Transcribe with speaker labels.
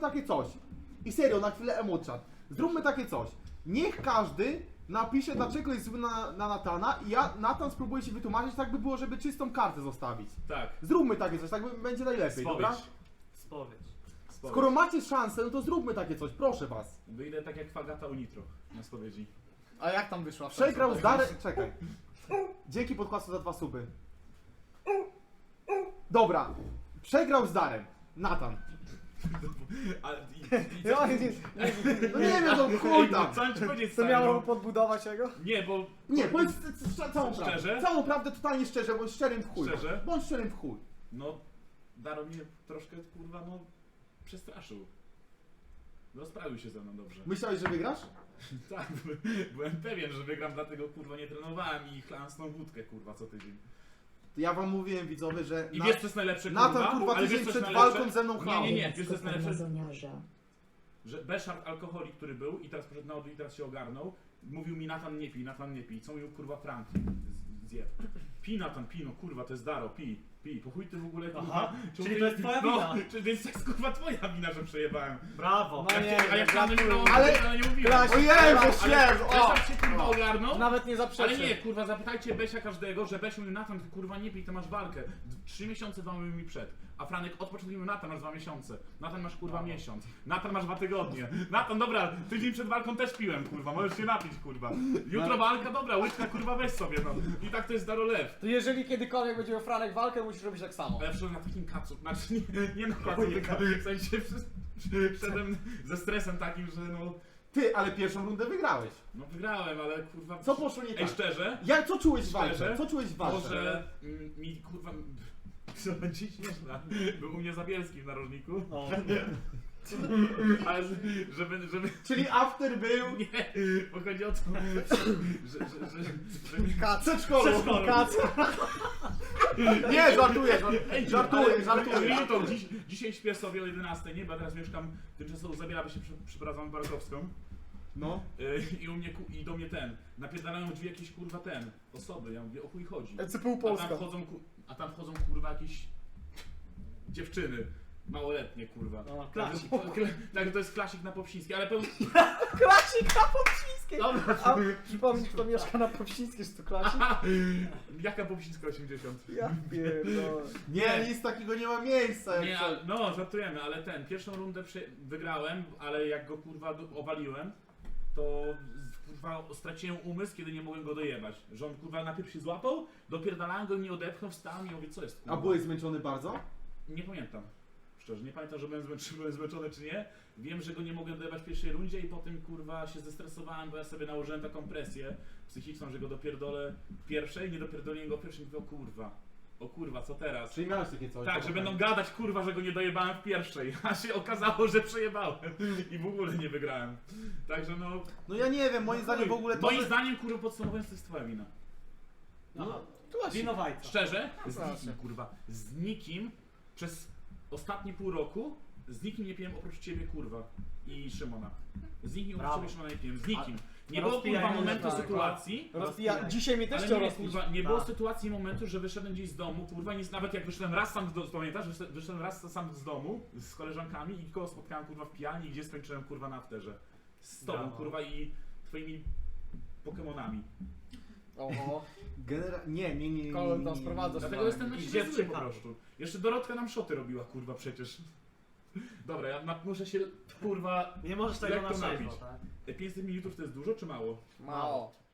Speaker 1: takie coś. I serio, na chwilę emocjat. Zróbmy takie coś. Niech każdy napisze, dlaczego jest zły na Natana i Natan spróbuje się wytłumaczyć, tak by było, żeby czystą kartę zostawić.
Speaker 2: Tak.
Speaker 1: Zróbmy takie coś, tak będzie najlepiej, dobra?
Speaker 3: Spowiedź.
Speaker 1: Skoro macie szansę, no to zróbmy takie coś, proszę was.
Speaker 2: Wyjdę tak jak Fagata u Nitro na spowiedzi.
Speaker 4: A jak tam wyszła?
Speaker 1: Przegrał z Darem... Czekaj. Dzięki podkłasu za 2 suby. Dobra. Przegrał z Darem. Natan.
Speaker 4: Ja,
Speaker 1: No nie wiem, no chuj tam.
Speaker 2: Co mam ci powiedzieć,
Speaker 4: Co
Speaker 2: stary,
Speaker 4: miało
Speaker 2: no?
Speaker 4: podbudować jego?
Speaker 2: Nie, bo...
Speaker 1: Nie, powiedz całą prawdę.
Speaker 2: Szczerze?
Speaker 1: Całą prawdę, totalnie szczerze, bądź szczerym w chuj.
Speaker 2: Szczerze?
Speaker 1: Bądź szczerym w chuj.
Speaker 2: No, Daro mnie troszkę, kurwa, no... przestraszył. Rozprawił się ze mną dobrze.
Speaker 1: Myślałeś, że wygrasz?
Speaker 2: Tak, byłem pewien, że wygram, dlatego kurwa nie trenowałem i chlałem wódkę kurwa co tydzień.
Speaker 1: Ja wam mówiłem, widzowie, że...
Speaker 2: I wiesz co jest najlepsze kurwa?
Speaker 1: Natan, kurwa,
Speaker 2: Ale
Speaker 1: tydzień
Speaker 2: wiesz, co jest
Speaker 1: przed
Speaker 2: najlepsze?
Speaker 1: walką ze mną chlał.
Speaker 2: Nie, wiesz co jest najlepsze?
Speaker 5: Mazoniarza.
Speaker 2: Że Beszard alkoholik, który był i teraz poszedł na odwrót i teraz się ogarnął, mówił mi Natan nie pij, co mówił kurwa Franki zjeb. Pij Natan, pij, no kurwa, to jest Daro, pij. Po chuj ty w ogóle kurwa...
Speaker 3: Aha,
Speaker 2: czemu
Speaker 3: czyli
Speaker 2: ty-
Speaker 3: to jest twoja wina.
Speaker 2: Więc to jest kurwa twoja wina, że przejebałem.
Speaker 3: Brawo.
Speaker 4: No nie,
Speaker 2: A ja wcale nie
Speaker 4: gratuluję.
Speaker 2: mówiłem, nie mówiłem.
Speaker 4: Klasie.
Speaker 1: Ojej,
Speaker 2: Ale
Speaker 1: że śmierz!
Speaker 2: Beszard się kurwa ogarnął.
Speaker 4: Nawet nie
Speaker 2: Ale
Speaker 4: zaprzeczy.
Speaker 2: nie, kurwa, zapytajcie Besia każdego, że Besiu mówił Natan, ty kurwa nie pij, to masz walkę. 3 miesiące wam mi przed. A Franek od początku mówił Natan, masz 2 miesiące. Natan masz kurwa miesiąc. Natan masz 2 tygodnie. Natan, dobra, tydzień przed walką też piłem, kurwa, możesz się napić, kurwa. Jutro walka, dobra, łyczka, kurwa, weź sobie, no. I tak to jest Daro Lew.
Speaker 4: To jeżeli kiedykolwiek będzie miał Franek walkę, musisz robić tak samo.
Speaker 2: Ale ja przyszedłem na takim kacu, znaczy nie na kacu, w sensie wszedłem ze stresem takim, że no...
Speaker 1: Ty, ale pierwszą rundę wygrałeś.
Speaker 2: No wygrałem, ale kurwa...
Speaker 1: Co poszło nie
Speaker 2: Ej,
Speaker 1: tak?
Speaker 2: szczerze?
Speaker 1: Co czułeś w walce?
Speaker 2: Szczerze?
Speaker 1: Co czułeś w walce?
Speaker 2: Może mi kurwa... Co będzie śmieszne? Był u mnie Zabielski w narożniku.
Speaker 3: No.
Speaker 2: Ale żeby...
Speaker 1: Czyli after był...
Speaker 2: Nie, bo chodzi o to, że mi...
Speaker 1: Przedszkolu.
Speaker 4: Kac.
Speaker 1: Nie, żartuję.
Speaker 2: Ale to dzisiaj śpię sobie o 11, nie? Bo ja teraz mieszkam tymczasowo Zabiela, by się przeprowadzam Barakowską.
Speaker 1: No.
Speaker 2: I u mnie, i do mnie napierdalają drzwi jakieś kurwa osoby, ja mówię o chuj chodzi.
Speaker 4: ECPU
Speaker 2: A
Speaker 4: Polska.
Speaker 2: tam wchodzą kurwa jakieś dziewczyny. Małoletnie kurwa.
Speaker 3: No, klasik.
Speaker 2: Tak, to jest klasik na Popsińskiej, ale pełno...
Speaker 4: Klasik na Popsińskiej!
Speaker 2: Dobra,
Speaker 4: A przypomnij, kto mieszka na Popsińskiej, że to klasik?
Speaker 2: jaka Popsińska 80?
Speaker 4: Ja pierdolę.
Speaker 1: Nie, nic takiego nie ma miejsca. jak
Speaker 2: Nie,
Speaker 1: co-
Speaker 2: no żartujemy, ale pierwszą rundę wygrałem, ale jak go kurwa owaliłem, to kurwa straciłem umysł, kiedy nie mogłem go dojebać. Że on kurwa najpierw się złapał, dopierdalałem go, nie odepchnął, wstałem i mówię, co jest kurwa?
Speaker 1: A byłeś zmęczony bardzo?
Speaker 2: Nie pamiętam. Szczerze, nie pamiętam, że byłem zmęczony czy nie. Wiem, że go nie mogłem dojebać w pierwszej rundzie i potem kurwa się zestresowałem, bo ja sobie nałożyłem taką presję psychiczną, że go dopierdolę w pierwszej, nie dopierdoliłem go w pierwszej i mówię, o kurwa, co teraz?
Speaker 1: Czyli miałeś takie coś?
Speaker 2: Tak, że będą gadać kurwa, że go nie dojebałem w pierwszej, a się okazało, że przejebałem i w ogóle nie wygrałem. Także no...
Speaker 1: No ja nie wiem, moim zdaniem w ogóle to...
Speaker 2: Moim zdaniem kurwa podsumowując to jest twoja wina.
Speaker 1: No,
Speaker 3: Winowajca.
Speaker 2: Szczerze? Z
Speaker 4: Proszę.
Speaker 2: nikim kurwa. Z nikim przez ostatnie pół roku z nikim nie piłem oprócz ciebie kurwa i Szymona. Z nikim oprócz
Speaker 3: Brawo.
Speaker 2: ciebie Szymona nie piłem. Z nikim. Nie było
Speaker 3: rozpijaj
Speaker 2: kurwa
Speaker 3: mnie,
Speaker 2: momentu
Speaker 4: tak,
Speaker 2: sytuacji.
Speaker 4: Rozpija... Dzisiaj mnie też
Speaker 2: Ale
Speaker 4: chciał
Speaker 2: nie,
Speaker 4: rozpić.
Speaker 2: kurwa, nie było
Speaker 3: Tak.
Speaker 2: sytuacji i momentu, że wyszedłem gdzieś z domu, kurwa, nic, nawet jak wyszedłem raz sam pamiętasz, wyszedłem raz sam z domu z koleżankami i kogo spotkałem kurwa w pijani, gdzie skończyłem kurwa na afterze. Z tobą
Speaker 3: Brawo.
Speaker 2: kurwa i twoimi Pokemonami.
Speaker 4: Oho.
Speaker 1: Nie.
Speaker 4: Kolor tam sprowadza.
Speaker 2: Dlatego jestem na
Speaker 3: I
Speaker 2: siebie zły po
Speaker 3: dziewczynka.
Speaker 2: prostu. Jeszcze Dorotka nam szoty robiła kurwa przecież. Dobra, ja muszę się kurwa...
Speaker 3: Nie możesz tego
Speaker 2: Jak
Speaker 3: na
Speaker 2: to
Speaker 3: trzeźwo,
Speaker 2: napić?
Speaker 3: tak?
Speaker 2: 500 ml to jest dużo czy mało?
Speaker 4: Mało.